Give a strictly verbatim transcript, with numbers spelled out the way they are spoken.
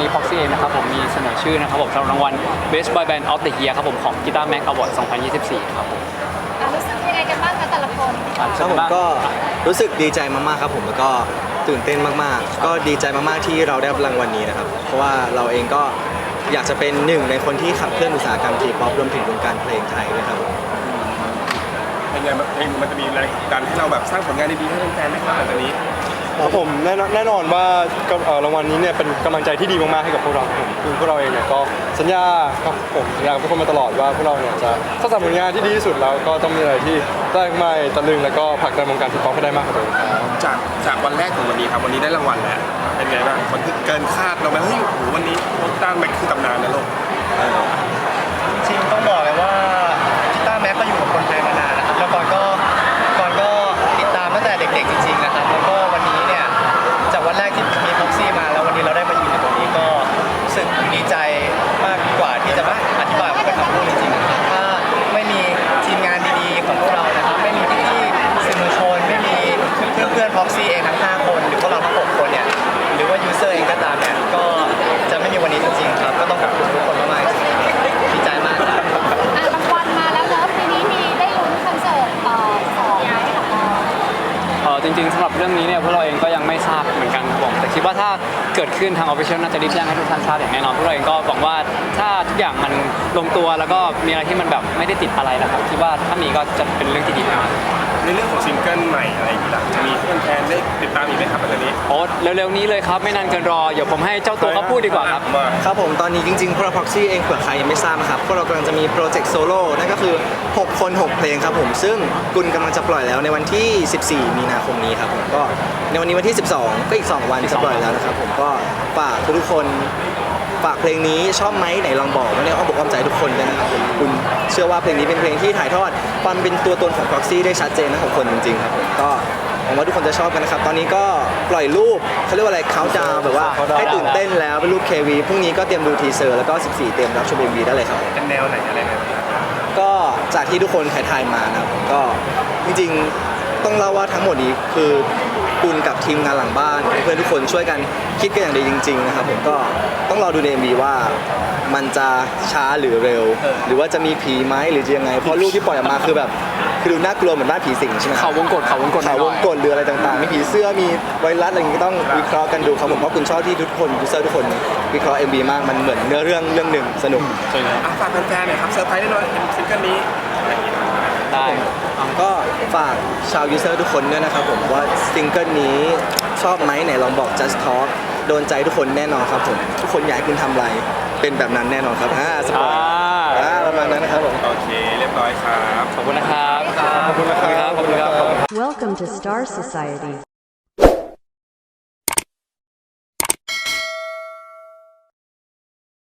Proxy เองนะครับผมมีเสนอชื่อนะครับผมสำหรับรางวัล Best Boy Band of the Year ครับผมของ Guitar Mag Award สองพันยี่สิบสี่ครับผมรู้สึกยังไงกันบ้างคะแต่ละคนครับผมก็รู้สึกดีใจมากๆครับผมแล้วก็ตื่นเต้นมากๆก็ดีใจมากๆที่เราได้รับรางวัลนี้นะครับเพราะว่าเราเองก็อยากจะเป็นหนึ่งในคนที่ขับเคลื่อนอุตสาหกรรมทีป๊อปรวมถึงวงการเพลงไทยด้วยครับเป็นไงเพลงมันจะมีแรงดันให้เราแบบสร้างผลงานดีๆให้แฟนๆไหมครับหลังจากนี้ครับผมแน่นอนแน่นอนว่ารางวัลนี้เนี่ยเป็นกำลังใจที่ดีมากๆให้กับพวกเราผมคือพวกเราเองเนี่ยก็สัญญาครับผมสัญญากับทุกคนมาตลอดว่าพวกเราเนี่ยจะสร้างสรรค์ผลงานที่ดีที่สุดแล้วก็ต้องมีอะไรที่ได้ใหม่ตะลึงแล้วก็ผลักดันวงการทีป๊อปให้ได้มากกว่าเดิมครับจากจากวันแรกถึงวันนี้ครับวันนี้ได้รางวัลแล้วเป็นไงบ้างมันคือเกินคาดเราไหมเฮ้ยโหวันนี้ต้านแม็กคือตำนานนะลูกจริงต้องบอกเลยว่ากีตาร์แม็กก็อยู่กับคนไทยมานานนะครับแล้วก่อนก็ก่อนก็ติดตามตั้งแต่เด็กๆจริงๆนะครับแล้วก็วันนี้เนี่ยจากวันแรกที่มีพ็อกซี่มาแล้ววันนี้เราได้มาอยู่ในตรงนี้ก็รู้สึกดีใจมากกว่าที่จะมาอธิบายเป็นคำพูดจริงๆถ้าไม่มีทีมงานดีๆของพวกเรานะครับไม่มีพี่ๆสื่อมวลชนไม่มีเพื่อนๆพ็อกซี่เองทั้งห้าคนหรือพวกเราทั้งหกคนเนี่ยหรือว่ายูเซอร์เองก็ตามเนี่ยก็จะไม่มีวันนี้จริงๆครับก็ต้องขอบคุณทุกคนมากๆดีใจมากครับรางวัลมาแล้วเนอะปีนี้มีได้ลุ้นคอนเสิร์ตต่อสองให้กับเราเออจริงๆสำหรับเรื่องนี้เนี่ยพวกเราเองก็ยังไม่ทราบเหมือนกันครับผมแต่คิดว่าถ้าเกิดขึ้นทาง Official น่าจะรีบแจ้งให้ทุกท่านทราบอย่างแน่นอนพวกเราเองก็หวังว่าถ้าทุกอย่างมันลงตัวแล้วก็มีอะไรที่มันแบบไม่ได้ติดอะไรนะครับคิดว่าถ้ามีก็จะเป็นเรื่องที่ดีมากในเรื่องของซิงเกิลใหม่อะไรอย่างนี้ล่ะจะมีเพื่อนแฟนได้ติดตามอีกไหมครับแบบนี้โอ้เร็วๆนี้เลยครับไม่นานเกินรอเดี๋ยวผมให้เจ้าตัวเขาพูดดีกว่าครับครับผมตอนนี้จริงๆพวกเรา Proxy เองเผื่อใครยังไม่ทราบนะครับพวกเรากำลังจะมีโปรเจกต์โซโล่นั่นก็คือหกคนหกเพลงครับผมซึ่งกุลกำลังจะปล่อยแล้วในวันที่สิบสี่มีนาคมนี้ครับผมก็ในวันนี้วันที่สิบสองก็อีกสองวันจะปล่อยแล้วนะครับผมก็ฝากทุกคนฝากเพลงนี้ชอบไหมไหนลองบอกไม่ได้อ้อมบอกอ้อมใจทุกคนเลยนะครับผมคุณเชื่อว่าเพลงนี้เป็นเพลงที่ถ่ายทอดความเป็นตัวตนของ Proxy ได้ชัดเจนนะของคนจริงๆครับผมก็หวังว่าทุกคนจะชอบกันนะครับตอนนี้ก็ปล่อยรูปเขาเรียกว่าอะไรเขาดาวแบบว่าให้ตื่นเต้นแล้วเป็นรูป เค วี พรุ่งนี้ก็เตรียมดูทีเซอร์แล้วก็สิบสี่เตรียมรับชม เอ็ม วี ได้เลยครับเป็นแนวไหนอะไรไหนก็จากที่ทุกคนถ่ายๆมานะครับก็จริงๆต้องเล่าว่าทั้งหมดนี้คือกุลกับทีมงานหลังบ้านเพื่อนทุกคนช่วยกันคิดกันอย่างดีจริงๆนะครับผมก็ต้องรอดูใน เอ็ม วี ว่ามันจะช้าหรือเร็วหรือว่าจะมีผีไหมหรือจะยังไงเพราะรูปที่ปล่อยออกมาคือแบบคือดูน่ากลัวเหมือนบ้านผีสิงใช่ไหมเขาวงกฏเขาวงกฏเขาวงกฏหรืออะไรต่างๆมีผีเสื้อมีไวรัสอะไรอย่างนี้ก็ต้องวิเคราะห์กันดูครับผมเพราะคุณชอบที่ทุกคนยูเซอร์ทุกคนวิเคราะห์ เอ็ม วี มากมันเหมือนเนื้อเรื่องเรื่องหนึ่งสนุกใช่เลยฝากแฟนๆหน่อยครับเซอร์ไพรส์แน่นอนซิงเกิลนี้ได้ก็ฝากชาวยูเซอร์ทุกคนด้วยนะครับผมว่าซิงเกิลนี้ชอบไหมไหนลองบอก just talk โดนใจทุกคนแน่นอนครับผมทุกคนอยากให้คุณทำอะไรเป็นแบบนั้นแน่นอนครับอ่าสปอยอ่าประมาณนั้นนะครับผมโอเคเรียบร้อยครับขอบคุณนะครับขอบคุณนะครับขอบคุณครับ Welcome to Star Society